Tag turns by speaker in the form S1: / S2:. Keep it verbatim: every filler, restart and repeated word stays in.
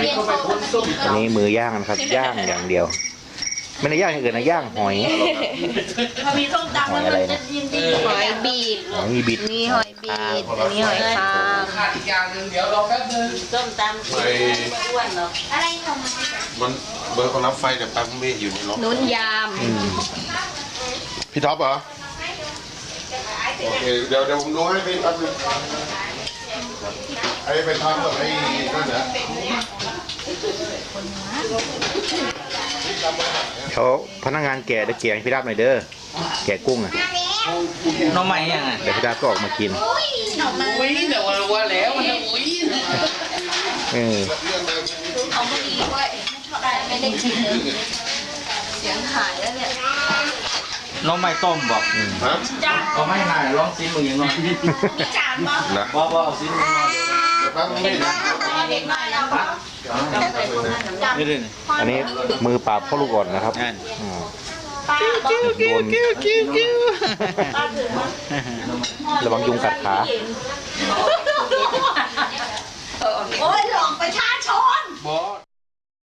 S1: อันนี้มือย่างนะครับย่างอย่างเดียวไม่ได้ย่างอย่างอื่นนะย่างหอย
S2: พอมีส้มตำแล้วมันจะยินดีหอยบีบ
S1: หอยบิด
S2: นี่หอยบีบอันนี้หอยคางขาดอีกอย่างหนึ่งเดี๋ยวรอแป๊บนึงส้มตำไม่อ้วนหรอกอะไรของมัน
S3: เบอร์คนรับไฟเดี๋ยวแป๊บไม่อยู่ในรถ
S2: นุ่นยาม
S3: พี่ท็อปเหรอโอเคเดี๋ยวเดี๋ยวผมดูให้พี่แป๊บนึงไอ้ไปทำกับไอ้นั่นเหรอ
S1: เขาพนักงานแก่ได้แกะให้พี่ดาบหน่อยเด้อแกะกุ้งอ่ะ
S4: น้องใหม่ยังไง
S1: เดี๋ยวพี่ดาบก็ออกมากิน
S4: อุ้ยเดี๋ยวว่าแล้วมันอุ้ย
S1: เออ
S2: เอาไม่ดีด้วยไม่ได้กินเสียงหายแล้วเนี่ย
S4: น้องใหม่ต้มบอก
S3: ฮะ
S4: ก็ไม่หายลองซิมมึงยังน้อย
S2: จานบ้าง
S3: นะ
S4: ว่าว่าเอาซิมมึงน้อย
S3: แป๊บไม่ได้
S2: เด็กหน่อยแล้ว
S4: นี่เลย
S1: อันนี้มือปราบพ่อลูกอ่อนนะครับ
S2: กิ้วกิ้วกิ้วกิ้วกิ้ว
S1: ระวังยุงกัดขา
S2: โอ้ย